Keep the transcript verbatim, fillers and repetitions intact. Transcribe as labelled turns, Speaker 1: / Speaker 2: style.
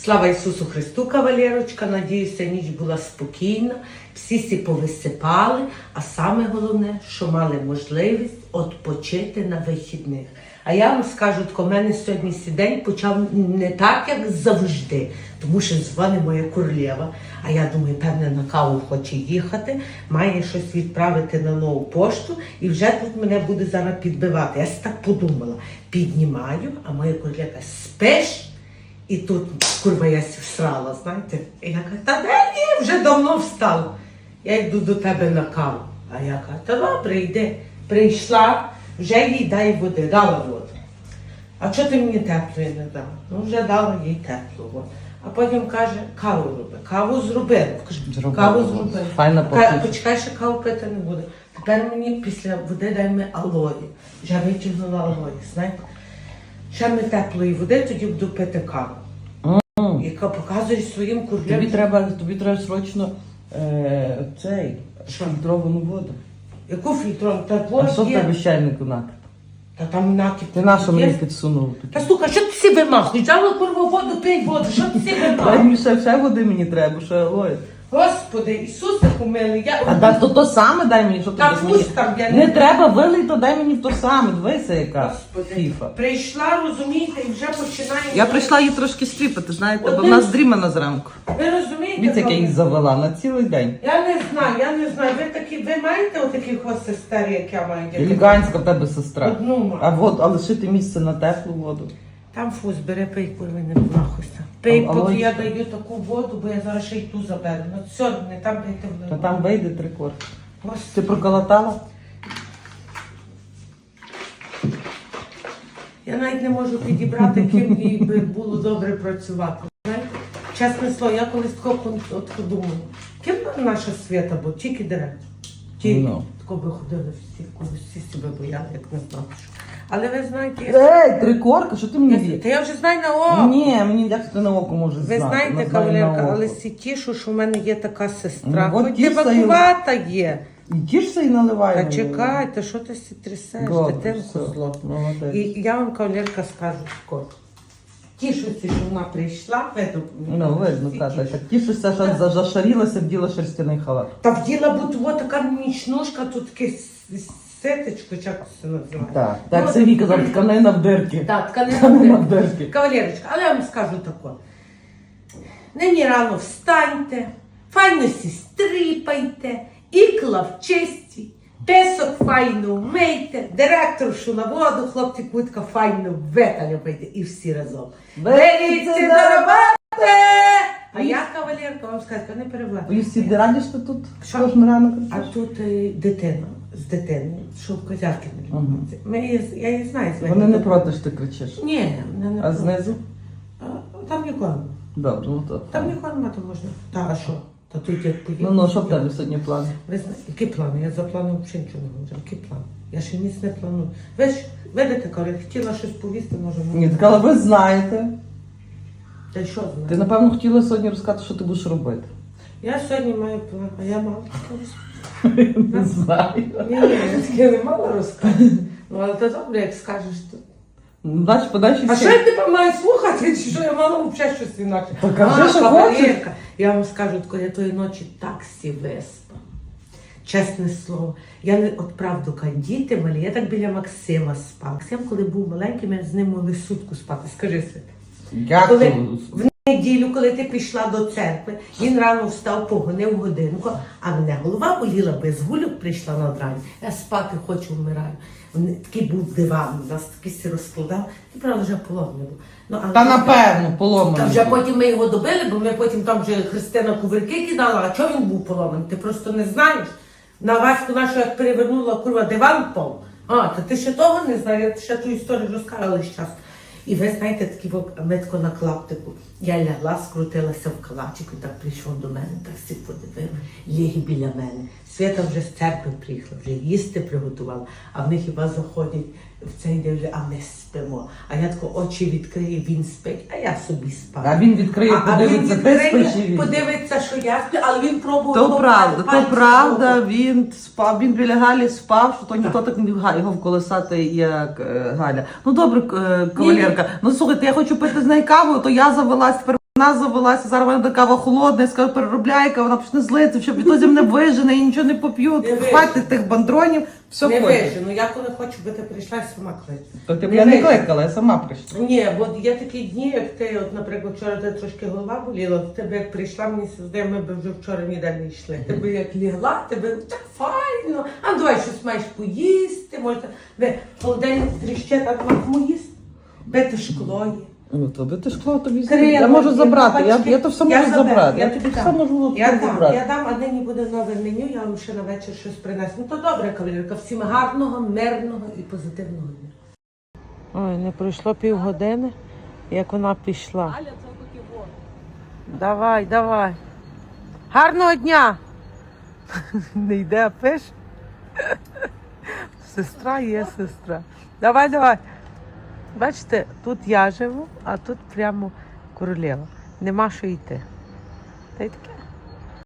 Speaker 1: Слава Ісусу Христу, кавалерочка. Надіюся, ніч була спокійна, всі сі повисипали, а саме головне, що мали можливість відпочити на вихідних. А я вам скажу, що в мене сьогодні сей день почав не так, як завжди, тому що дзвонить моя королева, а я думаю, певне, на каву хоче їхати, має щось відправити на нову пошту, і вже тут мене буде зараз підбивати. Я так подумала, піднімаю, а моя королева спиш? І тут, курва, я всрала, знаєте. І я кажу, та де ні, вже давно встала. Я йду до тебе на каву. А я кажу, та добре, йди. Прийшла, вже їй дай води, дала воду. А чого ти мені теплої не дала? Ну, вже дала їй теплу воду. А потім каже, каву роби. Каву зробили. Кажу, каву зробили.
Speaker 2: Файна
Speaker 1: Каже, почекай, ще каву пити не буде. Тепер мені після води дай ми алої. Вже витягнула алої, знаєте. Ще ми теплої води, тоді буду пити каву. Mm. Яка показує своїм курлям.
Speaker 2: Тобі треба, тобі треба срочно е, цей, фільтровану воду.
Speaker 1: Яку фільтровану? Та
Speaker 2: А що в
Speaker 1: є.
Speaker 2: тебе чайнику накид?
Speaker 1: Та там накид.
Speaker 2: Ти на що мені підсунув?
Speaker 1: Та слухай, що ти всі вимахуєш? Взяла курву воду, пий воду, що ти всі
Speaker 2: Дай
Speaker 1: вимахуєш?
Speaker 2: мені ще, ще води мені треба, ще алоє.
Speaker 1: Господи, Ісусе помилуй, я...
Speaker 2: А да, то то саме дай мені, що ти
Speaker 1: Та
Speaker 2: без
Speaker 1: пусть
Speaker 2: мені.
Speaker 1: там, я
Speaker 2: Не треба вилий, то дай мені в то саме, дивися яка
Speaker 1: Господи,
Speaker 2: фіфа.
Speaker 1: прийшла, розумієте, і вже починає...
Speaker 2: Я прийшла її трошки стріпати, знаєте, бо
Speaker 1: Одним-
Speaker 2: вона здрімана зранку.
Speaker 1: Ви розумієте?
Speaker 2: Дивіться, як я її
Speaker 1: коли-
Speaker 2: завела на цілий день.
Speaker 1: Я не знаю, я не знаю. Ви такі, ви маєте отаких ось сестер, як я маю?
Speaker 2: Елегантська в тебе сестра.
Speaker 1: Одну маю.
Speaker 2: А вот, а лишити місце на теплу воду.
Speaker 1: Там фуз, бери, пий, курва, не нахуйся. Пий,
Speaker 2: А-
Speaker 1: поки
Speaker 2: алоє?
Speaker 1: я даю таку воду, бо я зараз ще й ту заберу. Ну все, не там дайте в
Speaker 2: Та там вийде три корки. Ти
Speaker 1: Господи.
Speaker 2: проколотала?
Speaker 1: Я навіть не можу підібрати, ким їй би було добре працювати. Знаєте? Чесне слово, я колись тако пон- от подумала, ким би наша свята була? Тільки директор. Тільки.
Speaker 2: Ну.
Speaker 1: Тако би ходили всі, коли всі себе бояли, як не знаю. що. Але ви знаєте, я...
Speaker 2: Ей, три корки, що ти мені
Speaker 1: Я-
Speaker 2: вів?
Speaker 1: Та я вже знаю на око.
Speaker 2: Ні, мені як ти на око можеш
Speaker 1: Ви
Speaker 2: знати.
Speaker 1: знаєте,
Speaker 2: Вона знає
Speaker 1: кавалерка,
Speaker 2: на
Speaker 1: але
Speaker 2: око.
Speaker 1: сі тішу, що в мене є така сестра.
Speaker 2: Ну, от
Speaker 1: Хоч
Speaker 2: тішся і-
Speaker 1: дивакувата є.
Speaker 2: І тішся і наливай.
Speaker 1: Та
Speaker 2: мені.
Speaker 1: чекайте, що ти сі трясеш,
Speaker 2: Добре,
Speaker 1: дитинку
Speaker 2: все,
Speaker 1: зло.
Speaker 2: молодець.
Speaker 1: І я вам, кавалерка, скажу скоро. Тішуся, що вона прийшла, видно.
Speaker 2: Ну, видно,
Speaker 1: всі
Speaker 2: та, та,
Speaker 1: тішуться.
Speaker 2: так тішишся, що за- зашарілася, вділа шерстяний халат.
Speaker 1: Та вділа бути от така нічнушка, тут таке с- сетечко, чи як це називається.
Speaker 2: Так,
Speaker 1: Ну,
Speaker 2: так Сергій казав, тканина в дирки.
Speaker 1: Так, тканина
Speaker 2: Тканина
Speaker 1: в
Speaker 2: в дирки.
Speaker 1: Кавалерочка, але я вам скажу тако. Нині рано встаньте, файно сі стріпайте, ікла в чисті, песок файно вмийте, директоршу на воду, хлопці кутка файно виталюйте і всі разом. Беріться до роботи! А я, кавалерка, вам скажу, не перевладу.
Speaker 2: Ви всі раді, що тут
Speaker 1: Що?
Speaker 2: кожен ранок?
Speaker 1: А тут е, дитина з дитиною, що в козярки не любить. Ми її- Я її знаю. звати.
Speaker 2: Вони не проти, що ти кричиш.
Speaker 1: Ні, вони не
Speaker 2: А
Speaker 1: проти.
Speaker 2: знизу?
Speaker 1: А, там нікого нема.
Speaker 2: Добре, ну то.
Speaker 1: Там нікого нема, то можна. Та, а що? Та тут як поїду.
Speaker 2: Ну, ну, що в тебе сьогодні план?
Speaker 1: Ви знаєте, які плани? Я за плани взагалі нічого не говорю. Які плани? Я ще ніц не планую. Ви ж, видите, коли хотіла щось повісти, може,
Speaker 2: Ні, так, але ви знаєте.
Speaker 1: Та й що
Speaker 2: Ти,
Speaker 1: знаю?
Speaker 2: напевно, хотіла сьогодні розказати, що ти будеш робити.
Speaker 1: Я сьогодні маю план, а я мала розказати.
Speaker 2: Не знаю.
Speaker 1: Ні, ні, я таке не мала розказати. Ну, але то добре, як скажеш, то.
Speaker 2: Ну, далі, подальше
Speaker 1: А що я тебе маю слухати, чи що я мала взагалі щось інакше?
Speaker 2: Так, кажи,
Speaker 1: А,
Speaker 2: що
Speaker 1: кавалерка, я вам скажу, коли я тої ночі так сі виспала. Чесне слово. Я не, от правду кажу, діти малі, я так біля Максима спала. Максим, коли був маленьким, я з ним могли сутку спати. Скажи, Свята.
Speaker 2: Як
Speaker 1: Коли
Speaker 2: ти?
Speaker 1: в неділю, коли ти пішла до церкви, він рано встав, погонив годинку, а мене голова боліла, без гульок прийшла на рані. Я спати хочу, вмираю. Вони- Такий був диван, у нас такий сі розкладав, і правда вже поломний був. Ну, але-
Speaker 2: Та напевно,
Speaker 1: Та
Speaker 2: поломаний.
Speaker 1: вже потім ми його добили, бо ми потім там вже Христина кувирки кидала, а чого він був поломаний? Ти просто не знаєш. На Ваську нашу як перевернула курва диван пол. А, то ти ще того не знаєш, я ще ту історію розказала весь час. І ви знаєте, такі метко на клаптику. Я лягла, скрутилася в калачик, і так прийшов до мене, так всі подивив, ліг біля мене. Свята вже з церкви приїхала, вже їсти приготувала, а вони хіба заходять в цей день, а ми спимо. А я тако очі відкрию, він спить, а я собі спала.
Speaker 2: А він відкриє,
Speaker 1: А- а він
Speaker 2: подивиться, ти
Speaker 1: відкриє,
Speaker 2: спиш і він.
Speaker 1: подивиться, що я сплю, але він пробував.
Speaker 2: То
Speaker 1: того
Speaker 2: правда,
Speaker 1: пальцем
Speaker 2: то правда,
Speaker 1: зробити.
Speaker 2: він спав, він біля Галі спав, що то ніхто так не міг його вколесати, як е, Галя. Ну добре, е, кавалерка, ну слухайте, я хочу пити з нею каву, то я завелась тепер Вона завелася, зараз вона буде кава холодна, я скажу, переробляйка, вона почне злитися, щоб відтоді мене вижене і нічого не поп'ю.
Speaker 1: Не
Speaker 2: Хватить тих бандронів, все
Speaker 1: Не
Speaker 2: хочеш.
Speaker 1: вижу, ну я коли хочу, би ти прийшла і сама кличу.
Speaker 2: То ти б
Speaker 1: Не
Speaker 2: я не
Speaker 1: вижу.
Speaker 2: кликала, я сама прийшла.
Speaker 1: Ні, бо є такі дні, як ти, от, наприклад, вчора ти трошки голова боліла, то тебе як прийшла, мені здає, ми б вже вчора ніде не йшли. Ти би як лігла, тебе так файно, а ну, давай щось маєш поїсти, може, ви холодильник тріще, так нема кому їсти, бити шкло є.
Speaker 2: Ну, то би ти шкло тобі
Speaker 1: Крила,
Speaker 2: Я можу
Speaker 1: є,
Speaker 2: забрати, я,
Speaker 1: бачки.
Speaker 2: я то все
Speaker 1: Я
Speaker 2: можу
Speaker 1: заберу,
Speaker 2: забрати.
Speaker 1: я
Speaker 2: Я
Speaker 1: тобі
Speaker 2: все
Speaker 1: дам.
Speaker 2: можу
Speaker 1: Я дам,
Speaker 2: забрати.
Speaker 1: я дам, а нині буде нове меню, я вам ще на вечір щось принесу. Ну то добре, кавалерка, всім гарного, мирного і позитивного дня. Ой, не пройшло півгодини, як вона пішла. Давай, давай. Гарного дня! Не йде, а пиш. Сестра є сестра. Давай, давай. Бачите, тут я живу, а тут прямо королева. Нема що йти. Та й таке.